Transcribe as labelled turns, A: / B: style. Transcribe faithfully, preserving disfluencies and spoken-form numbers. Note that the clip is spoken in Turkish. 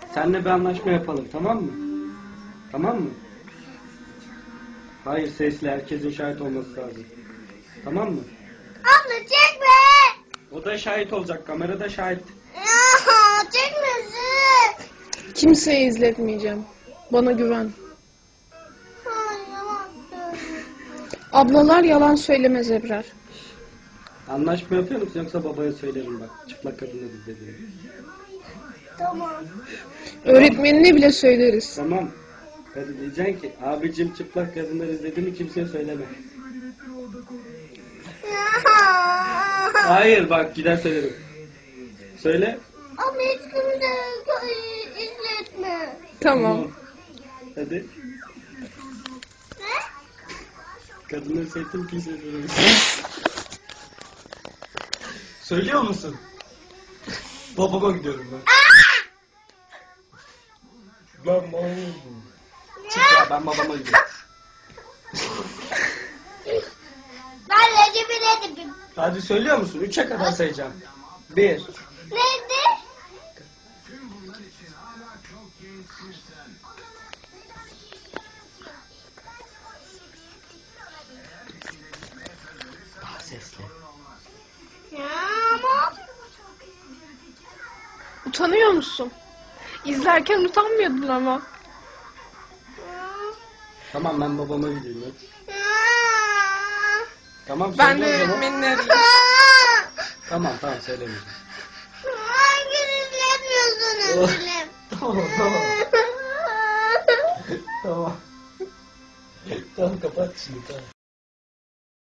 A: Seninle bir anlaşma yapalım, tamam mı? Tamam mı? Hayır, sesli, herkesin şahit olması lazım. Tamam mı?
B: Abla çekme.
A: O da şahit olacak, kamerada şahit.
B: Ya çekmesin.
C: Kimseye izletmeyeceğim. Bana güven.
B: Ay yalan söylüyor.
C: Ablalar yalan söylemez Ebrar.
A: Anlaşma yapıyor musun yoksa babaya söylerim bak. Çıplak kadınları izlediğini.
B: Tamam.
C: Öğretmenine bile söyleriz.
A: Tamam. Hadi diyeceksin ki abicim çıplak kadınları izlediğini kimseye söyleme.
B: Ya.
A: Hayır bak gider söylerim. Söyle.
B: Ama hiç kimse izletme.
C: Tamam.
A: Hadi.
B: Ne?
A: Kadınları sevdim kimseye söyleme. Söylüyor musun? Babama gidiyorum ben. Ben babama gidiyorum. Çık ya ben babama gidiyorum.
B: Ben Recep'i dedim.
A: Hadi söylüyor musun? Üçe kadar sayacağım. Bir.
B: Neydi?
A: Daha sesli.
B: Ya ama.
C: Utanıyor musun? İzlerken utanmıyordun ama.
A: Tamam ben babama gidiyorum. Hadi.
B: Ya.
A: Tamam
C: Ben de
A: söyle o zaman.
C: öğretmenini arayayım.
A: Tamam tamam söylemeyeceğim.
B: Hangi izletmiyorsunuz film?
A: Tamam tamam. Tamam. Tamam kapat şimdi tamam.